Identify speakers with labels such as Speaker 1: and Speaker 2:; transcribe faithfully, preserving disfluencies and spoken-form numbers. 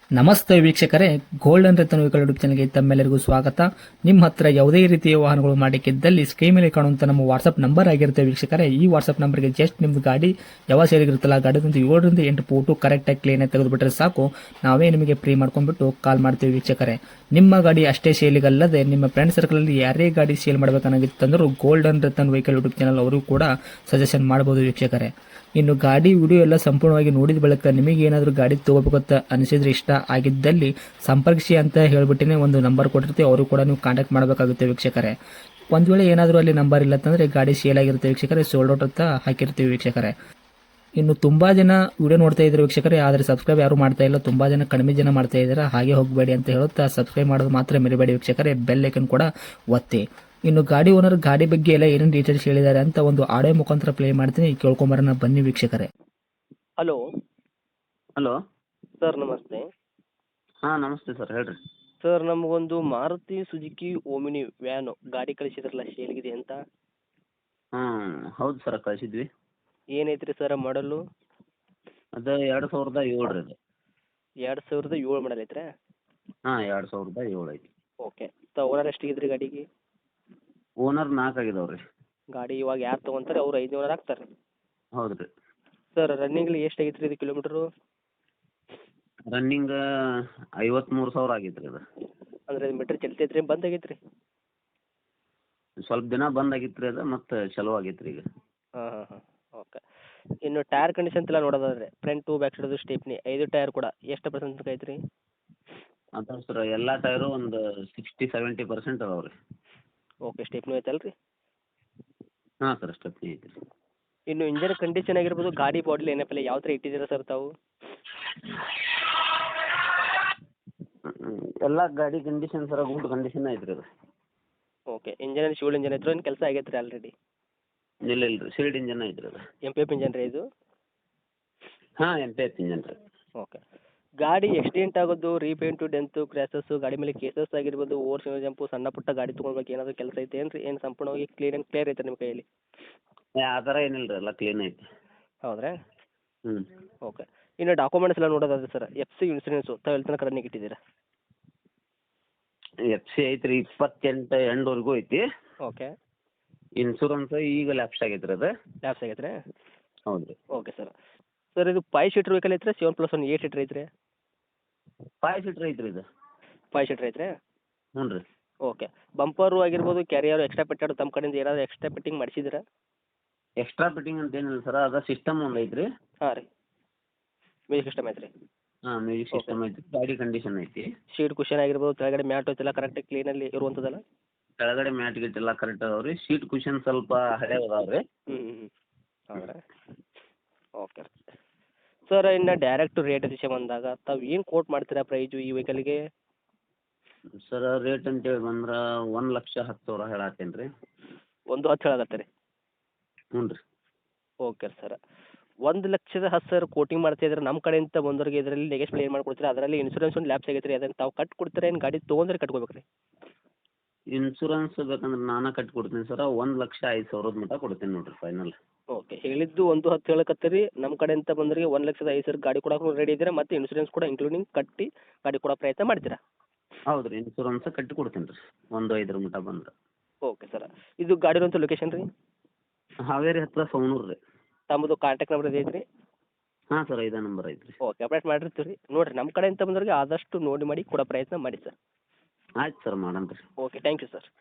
Speaker 1: ನಮಸ್ತೆ ವೀಕ್ಷಕರೇ, golden Ratan vehicle YouTube ಚಾನಲ್ಗೆ ತಮ್ಮೆಲ್ಲರಿಗೂ ಸ್ವಾಗತ. ನಿಮ್ಮ ಹತ್ರ ಯಾವುದೇ ರೀತಿಯ ವಾಹನಗಳು ಮಾಡಿಕ್ಕಿದ್ದಲ್ಲಿ ಸ್ಕ್ರೀನ್ ಮೇಲೆ ಕಾಣುವಂತ ನಮ್ಮ ವಾಟ್ಸ್ಆಪ್ ನಂಬರ್ ಆಗಿರುತ್ತೆ ವೀಕ್ಷಕರೇ. ಈ ವಾಟ್ಸ್ಆಪ್ ನಂಬರ್ಗೆ ಜಸ್ಟ್ ನಿಮ್ದು ಗಾಡಿ ಯಾವ ಸೇರಿಗಿರುತ್ತಲ್ಲ ಗಾಡಿದಂತ ಏಳರಿಂದ ಎಂಟು ಫೋಟೋ ಕರೆಕ್ಟಾಗಿ ಕ್ಲೀನ್ ಆಗಿ ತೆಗೆದುಬಿಟ್ರೆ ಸಾಕು, ನಾವೇ ನಿಮಗೆ ಫ್ರೀ ಮಾಡ್ಕೊಂಡ್ಬಿಟ್ಟು ಕಾಲ್ ಮಾಡ್ತೀವಿ ವೀಕ್ಷಕರೇ. ನಿಮ್ಮ ಗಾಡಿ ಅಷ್ಟೇ ಸೇಲಿಗಲ್ಲದೆ ನಿಮ್ಮ ಫ್ರೆಂಡ್ ಸರ್ಕಲ್ ಅಲ್ಲಿ ಯಾರೇ ಗಾಡಿ ಸೇಲ್ ಮಾಡಬೇಕನ್ನಾಗಿತ್ತಂದ್ರೂ golden Ratan vehicle YouTube channel ಅವರು ಕೂಡ ಸಜೆಷನ್ ಮಾಡಬಹುದು ವೀಕ್ಷಕರೇ. ಇನ್ನು ಗಾಡಿ ವಿಡಿಯೋ ಎಲ್ಲ ಸಂಪೂರ್ಣವಾಗಿ ನೋಡಿದ ಬಳಿಕ ನಿಮಗೆ ಏನಾದರೂ ಗಾಡಿ ತಗೋಬೇಕಂತ ಅನಿಸಿದ್ರೆ, ಇಷ್ಟ ಆಗಿದ್ದಲ್ಲಿ ಸಂಪರ್ಕಿಸಿ ಅಂತ ಹೇಳ್ಬಿಟ್ಟಿನೇ ಒಂದು ನಂಬರ್ ಕೊಟ್ಟಿರ್ತೀವಿ, ಅವರು ಕೂಡ ನೀವು ಕಾಂಟ್ಯಾಕ್ಟ್ ಮಾಡಬೇಕಾಗುತ್ತೆ ವೀಕ್ಷಕರೇ. ಒಂದು ವೇಳೆ ಏನಾದರೂ ಅಲ್ಲಿ ನಂಬರ್ ಇಲ್ಲ ಅಂತಂದರೆ ಗಾಡಿ ಸೇಲ್ ಆಗಿರುತ್ತೆ ವೀಕ್ಷಕರೇ, ಸೋಲ್ಡ್ ಔಟ್ ಅಂತ ಹಾಕಿರ್ತೀವಿ ವೀಕ್ಷಕರೇ. ಇನ್ನು ತುಂಬಾ ಜನ ವಿಡಿಯೋ ನೋಡ್ತಾ ಇದ್ದಾರೆ ವೀಕ್ಷಕರೇ, ಆದರೆ ಸಬ್ಸ್ಕ್ರೈಬ್ ಯಾರು ಮಾಡ್ತಾ ಇಲ್ಲ, ತುಂಬಾ ಜನ ಕಡಿಮೆ ಜನ ಮಾಡ್ತಾ ಇದ್ದಾರೆ. ಹಾಗೆ ಹೋಗಬೇಡಿ ಅಂತ ಹೇಳುತ್ತಾ ಸಬ್ಸ್ಕ್ರೈಬ್ ಮಾಡೋದು ಮಾತ್ರ ಮರಿಬೇಡಿ ವೀಕ್ಷಕರೇ, ಬೆಲ್ ಐಕನ್ ಕೂಡ ಒತ್ತಿ. ಇನ್ನು ಗಾಡಿ ಓನರ್ ಗಾಡಿ ಬಗ್ಗೆ ಎಲ್ಲ ಏನೇನು ಡೀಟೇಲ್ಸ್ ಹೇಳಿದ್ದಾರೆ ಅಂತ ಒಂದು ಆಡಿಯೋ ಮುಖಾಂತರ ಪ್ಲೇ ಮಾಡ್ತೀನಿ, ಕೇಳ್ಕೊಂಬರೋಣ ಬನ್ನಿ ವೀಕ್ಷಕರೇ.
Speaker 2: ಹಲೋ
Speaker 3: ಹಲೋ
Speaker 2: ಸರ್, ನಮಸ್ತೆ.
Speaker 3: ಹಾಂ ನಮಸ್ತೆ ಸರ್, ಹೇಳ್ರಿ.
Speaker 2: ಸರ್, ನಮಗೊಂದು ಮಾರುತಿ ಸುಜುಕಿ ಓಮಿನಿ ವ್ಯಾನು ಗಾಡಿ ಕಳಿಸಿದ್ರಲ್ಲ, ಸೇಲ್ಗಿದೆ ಅಂತ.
Speaker 3: ಹಾಂ ಹೌದು ಸರ್, ಕಳಿಸಿದ್ವಿ.
Speaker 2: ಏನೈತ್ರಿ ಸರ್ ಮಾಡಲು?
Speaker 3: ಅದು ಎರಡು ಸಾವಿರದ ಏಳು ರೀ ಅದು.
Speaker 2: ಎರಡು ಸಾವಿರದ ಏಳು ಮಾಡಲ್ ಐತ್ರಾ?
Speaker 3: ಹಾಂ ಎರಡು ಸಾವಿರದ ಏಳು ಐತಿ.
Speaker 2: ಓಕೆ. ತ ಓನರ್ ಎಷ್ಟಿಗಿದ್ರಿ ಗಾಡಿಗೆ?
Speaker 3: ಓನರ್ ನಾಲ್ಕು ಆಗಿದಾವೆ ರೀ.
Speaker 2: ಗಾಡಿ ಇವಾಗ ಯಾರು ತೊಗೊಂತಾರೆ ಅವ್ರು ಐದು ಓನರ್ ಆಗ್ತಾರೆ.
Speaker 3: ಹೌದು ರೀ.
Speaker 2: ಸರ್, ರನ್ನಿಂಗ್ಲಿ ಎಷ್ಟು ಆಗೈತ್ರಿ ಇದು ಕಿಲೋಮೀಟ್ರು?
Speaker 3: ರನ್ನಿಂಗ್ ಐವತ್ತ್ಮೂರು ಸಾವಿರ ಆಗೈತೆ ರೀ ಅದು.
Speaker 2: ಅಂದರೆ ಮೀಟ್ರ್ ಚಲ್ತೈತ್ರಿ, ಬಂದ್ ಆಗೈತ್ರಿ?
Speaker 3: ಸ್ವಲ್ಪ ದಿನ ಬಂದ್ ಆಗಿತ್ತು ರೀ ಅದು, ಮತ್ತು ಚಲೋ ಆಗೈತೆ ರೀ ಈಗ.
Speaker 2: ಹಾಂ ಹಾಂ ಹಾಂ ಓಕೆ. ಇನ್ನು ಟೈರ್ ಕಂಡೀಷನ್ ಎಲ್ಲ ನೋಡೋದಾದ್ರೆ ಫ್ರಂಟು ಬ್ಯಾಕ್ ಸೈಡದು ಸ್ಟೇಪ್ನಿ ಐದು ಟೈರ್ ಕೂಡ ಎಷ್ಟು ಪರ್ಸೆಂಟ್ ತನಕ ಐತ್ರಿ?
Speaker 3: ಅದಾವೆ ಸರ್, ಎಲ್ಲ ಟೈರು ಒಂದು ಸಿಕ್ಸ್ಟಿ ಸೆವೆಂಟಿ ಪರ್ಸೆಂಟ್ ಅದಾವೆ ರೀ.
Speaker 2: ಓಕೆ. ಸ್ಟೇಪ್ನಿ ಐತಲ್ಲ ರೀ?
Speaker 3: ಹಾಂ ಸರ್, ಸ್ಟೆಪ್ನಿ ಐತಿ ರೀ.
Speaker 2: ಇನ್ನು ಇಂಜನ್ ಕಂಡೀಷನ್ ಆಗಿರ್ಬೋದು, ಗಾಡಿ ಬಾಡಿ ಏನಪ್ಪಲ್ಲ ಯಾವ ಥರ ಇಟ್ಟಿದ್ದೀರಾ ಸರ್ ತಾವು?
Speaker 3: ಎಲ್ಲ ಗಾಡಿ ಕಂಡೀಷನ್ ಸರ್ ಗುಡ್ ಕಂಡೀಷನ್ ಐತೆ ರೀ ಅದು.
Speaker 2: ಓಕೆ. ಇಂಜನ್ ಶಿವಲ್ ಇಂಜನ್ ಐತ್ರಿ, ಏನು ಕೆಲಸ ಆಗೈತೆ ರೀ ಆಲ್ರೆಡಿ?
Speaker 3: ಇಲ್ಲ ಇಲ್ಲ ರೀ, ಸೀಲ್ಡ್ ಇಂಜನ್ ಐತೆ ರೀ ಅದು.
Speaker 2: ಎಮ್ ಪಿ ಎಫ್ ಇಂಜನ್ ರೀ ಇದು?
Speaker 3: ಹಾಂ ಎಮ್ ಪಿ ಎಫ್ ಇಂಜನ್ ರೀ.
Speaker 2: ಓಕೆ. ಗಾಡಿ ಎಕ್ಸಿಡೆಂಟ್ ಆಗೋದು, ರೀಪೇಂಟು, ಡೆಂತು, ಕ್ರ್ಯಾಸಸ್ಸು, ಗಾಡಿ ಮೇಲೆ ಕೇಸಸ್ ಆಗಿರ್ಬೋದು, ಓವರ್ ಸಿಂಗಲ್ ಜಂಪು, ಸಣ್ಣ ಪುಟ್ಟ ಗಾಡಿ ತೊಗೊಳ್ಬೇಕು ಏನಾದರೂ ಕೆಲಸ ಐತೆ ಏನು ರೀ? ಏನು ಸಂಪೂರ್ಣವಾಗಿ ಕ್ಲೀನ್ ಆ್ಯಂಡ್ ಕ್ಲಿಯರ್ ಐತೆ ನಿಮ್ಮ ಕೈಯಲ್ಲಿ?
Speaker 3: ಆ ಥರ ಏನಿಲ್ಲ ರೀ, ಎಲ್ಲ ಕ್ಲೀನ್ ಐತಿ.
Speaker 2: ಹೌದ್ರಾ?
Speaker 3: ಹ್ಞೂ.
Speaker 2: ಓಕೆ. ಇನ್ನು ಡಾಕ್ಯುಮೆಂಟ್ಸ್ ಎಲ್ಲ ನೋಡೋದಾದ್ರೆ ಸರ್, ಎಫ್ ಸಿ ಇನ್ಸೂರೆನ್ಸು ತಾವು ಎಲ್ಲಿ ತನಕ ರನ್ನಿಂಗ್ ಇಟ್ಟಿದ್ದೀರಾ?
Speaker 3: ಎಫ್ ಸಿ ಐತೆ ರೀ, ಇಪ್ಪತ್ತೆಂಟು ಎಂಡ್ವರೆಗೂ ಐತಿ.
Speaker 2: ಓಕೆ.
Speaker 3: ಇನ್ಸೂರೆನ್ಸ್ ಈಗ ಲ್ಯಾಪ್ಸ್ ಆಗೈತೆ ರೀ ಅದು.
Speaker 2: ಲ್ಯಾಪ್ಸ್ ಆಗೈತೆ ರೀ?
Speaker 3: ಹೌದು ರೀ.
Speaker 2: Okay sir. ಸರ್, ಇದು ಫೈವ್ ಸೀಟ್ರ್ ವೆಹಿಕಲ್ ಐತ್ರಿ, seven plus one eight seater ಐತ್ರಿ?
Speaker 3: ಫೈವ್ ಸೀಟ್ರ್ ಐತೆ ರೀ ಇದು.
Speaker 2: ಫೈವ್ ಸೀಟ್ರ್ ಐತ್ರಿ?
Speaker 3: ಹ್ಞೂ ರೀ.
Speaker 2: ಓಕೆ. ಬಂಪರು ಆಗಿರ್ಬೋದು, ಕ್ಯಾರಿಯರು ಎಕ್ಸ್ಟ್ರಾ ಪೆಟ್ಟಾಡು ತಮ್ಮ ಕಡೆಯಿಂದ ಏನಾದರೂ ಎಕ್ಸ್ಟ್ರಾ ಫಿಟ್ಟಿಂಗ್ ಮಾಡಿಸಿದ್ದೀರಾ?
Speaker 3: ಎಕ್ಸ್ಟ್ರಾ ಫಿಟ್ಟಿಂಗ್ ಅಂತ ಏನಿಲ್ಲ ಸರ್, ಅದು ಸಿಸ್ಟಮ್ ಒಂದು ಐತೆ ರೀ.
Speaker 2: ಹಾಂ ರೀ. ಮ್ಯೂಸಿಕ್ ಸಿಸ್ಟಮ್ ಐತೆ ರೀ?
Speaker 3: ಹಾಂ ಮ್ಯೂಸಿಕ್ ಸಿಸ್ಟಮ್ ಐತಿ, ಗಾಡಿ ಕಂಡೀಷನ್ ಐತಿ.
Speaker 2: ಶೀಟ್ ಕುಷನ್ ಆಗಿರ್ಬೋದು, ಕೆಳಗಡೆ ಮ್ಯಾಟ್ ಐತೆಲ್ಲ ಕರೆಕ್ಟಾಗಿ ಕ್ಲೀನಲ್ಲಿ ಇರುವಂಥದ್ದಲ್ಲ?
Speaker 3: ಕೆಳಗಡೆ ಮ್ಯಾಟ್ ಗೀಟ್ ಎಲ್ಲ ಕರೆಕ್ಟ್ ಅದಾವೆ ರೀ. ಸೀಟ್ ಕುಷನ್ ಸ್ವಲ್ಪ ಹಳೆ ಅದಾವೆ ರೀ.
Speaker 2: ಹ್ಞೂ ಹ್ಞೂ ಹ್ಞೂ ಹೌದಾ? ಓಕೆ. ಸರ್, ಇನ್ನು ಡೈರೆಕ್ಟ್ ರೇಟ್ ವಿಷಯ ಬಂದಾಗ ತಾವು ಏನು ಕೋಟ್ ಮಾಡ್ತೀರಾ ಪ್ರೈಜು ಈ ವೆಹಿಕಲ್ಗೆ?
Speaker 3: ಸರ್, ರೇಟ್ ಅಂತೇಳಿ ಬಂದ್ರೆ ಒಂದು ಲಕ್ಷ ಹತ್ತು ಸಾವಿರ ಹೇಳತ್ತೇನೆ ರೀ.
Speaker 2: ಒಂದು ಹತ್ತು ಹೇಳಾಗತ್ತೆ ರೀ?
Speaker 3: ಹ್ಞೂ ರೀ.
Speaker 2: Okay sir. ಒಂದು ಲಕ್ಷದ ಹತ್ತು ಸಾವಿರ ಕೋಟಿಂಗ್ ಮಾಡ್ತಾಯಿದ್ರೆ ನಮ್ಮ ಕಡೆಯಿಂದ ಬಂದವ್ರಿಗೆ ಇದರಲ್ಲಿ ನೆಗೆಶ್ಬಲ್ ಏನು ಮಾಡ್ಕೊಡ್ತೀರಾ? ಅದರಲ್ಲಿ ಇನ್ಸೂರೆನ್ಸ್ ಒಂದು ಲ್ಯಾಪ್ಸ್ ಆಗೈತೆ ರೀ, ಅದನ್ನು ತಾವು ಕಟ್ಟಿ ಕೊಡ್ತೀರಾ ಏನು ಗಾಡಿ ತೊಗೊಂಡ್ರೆ ಕಟ್ಕೋಬೇಕು ರೀ?
Speaker 3: ಇನ್ಸೂರೆನ್ಸ್ ಬೇಕಂದ್ರೆ ನಾನೇ ಕಟ್ಟಿ ಕೊಡ್ತೀನಿ ಸರ, ಒಂದು ಲಕ್ಷ ಐದು ಸಾವಿರದ ಮಟ್ಟ ಕೊಡ್ತೀನಿ ನೋಡಿರಿ ಫೈನಲ್.
Speaker 2: ಓಕೆ. ಹೇಳಿದ್ದು ಒಂದು ಹತ್ತು ಹೇಳಕತ್ತೀರಿ, ನಮ್ಮ ಕಡೆಯಿಂದ ಬಂದವರಿಗೆ ಒಂದು ಲಕ್ಷದ ಐದು ಸಾವಿರ ಗಾಡಿ ಕೊಡೋಕೆ ರೆಡಿ ಇದ್ದೀರಾ, ಮತ್ತು ಇನ್ಸೂರೆನ್ಸ್ ಕೂಡ ಇನ್ಕ್ಲೂಡಿಂಗ್ ಕಟ್ಟಿ ಗಾಡಿ ಕೊಡೋ ಪ್ರಯತ್ನ ಮಾಡ್ತೀರಾ?
Speaker 3: ಹೌದು ರೀ, ಇನ್ಸೂರೆನ್ಸ್ ಕಟ್ಟಿ ಕೊಡ್ತೀನಿ ರೀ ಒಂದು ಐದರ ಮಟ್ಟ ಬಂದ್ರೆ.
Speaker 2: Okay sir. ಇದು ಗಾಡಿರೋಂಥ ಲೊಕೇಶನ್ ರೀ?
Speaker 3: ಹಾವೇರಿ ಹತ್ತಿರ ಸವಣೂರು ರೀ.
Speaker 2: ತಮ್ಮದು ಕಾಂಟ್ಯಾಕ್ಟ್ ನಂಬರ್ ಇದೆ ಐತ್ರಿ?
Speaker 3: ಹಾಂ ಸರ್, ಇದೇ ನಂಬರ್ ಐತೆ ರೀ.
Speaker 2: ಓಕೆ. ಅಪ್ಡೇಟ್ ಮಾಡಿರ್ತೀವಿ ರೀ. ನೋಡಿರಿ, ನಮ್ಮ ಕಡೆಯಿಂದ ಬಂದವರಿಗೆ ಆದಷ್ಟು ನೋಡಿ ಮಾಡಿ ಕೊಡೋ ಪ್ರಯತ್ನ ಮಾಡಿ ಸರ್.
Speaker 3: ಆಯ್ತು ಸರ್, ಮಾಡೋಣ ರೀ.
Speaker 2: ಓಕೆ. Thank you sir.